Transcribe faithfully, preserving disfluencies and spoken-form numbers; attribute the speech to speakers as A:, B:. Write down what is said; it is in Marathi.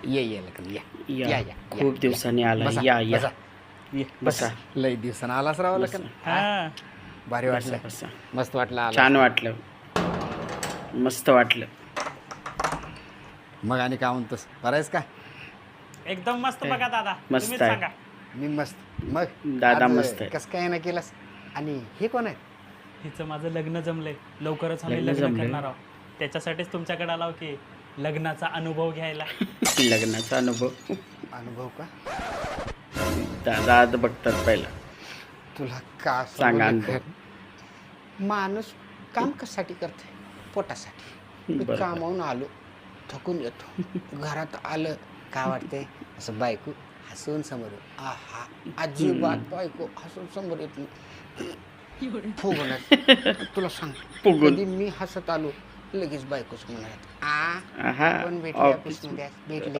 A: ये ये लग्न या या
B: या
A: या
B: खूप दिवसांनी आला
A: बसा,
B: या या
A: बसा.
B: ये,
A: बसा
B: बसा
A: लय दिवसानं आलाच राव लग्न
C: हा
A: भारी
B: बसा
A: वाटलं
B: बसा
A: मस्त वाटलं आला
B: छान वाटलं मस्त वाटलं
A: मग आणि काय म्हणतोस बरायस का
C: एकदम मस्त बघा दादा
B: मस्त
C: तुम्हीच
B: आहे.
C: सांगा.
A: मी मस्त मग
B: दादा
A: आज
B: मस्त आहे.
A: कसं काय ना केलास आणि हे कोण आहे
C: हिचं माझं लग्न जमलंय लवकरच आम्ही
B: लग्न
C: लग्न
B: जमलंय?
C: करणार आहोत त्याच्यासाठीच तुमच्याकडे आलो की लग्नाचा अनुभव घ्यायला.
B: लग्नाचा अनुभव
A: अनुभव का
B: दादा आता बघतात पहिला
A: तुला का
B: सांगा
A: सांगू
B: अनुभव.
A: लेकरं? माणूस काम कशासाठी करते पोटासाठी मी
B: बरोबर.
A: कामावून आलो थकून येतो घरात आलं काय वाटतंय असं बायको हसून समोर येऊ. आहा अजिबात बायको हसून समोर येत नाही फुगणार तुला सांग
B: फुगून.
A: कधी मी हसत आलो लगेच बायकोच म्हणाल आ
B: आहा
A: पण भेटली
B: ऑफिस
A: ऑफिसमध्ये आज, भेटली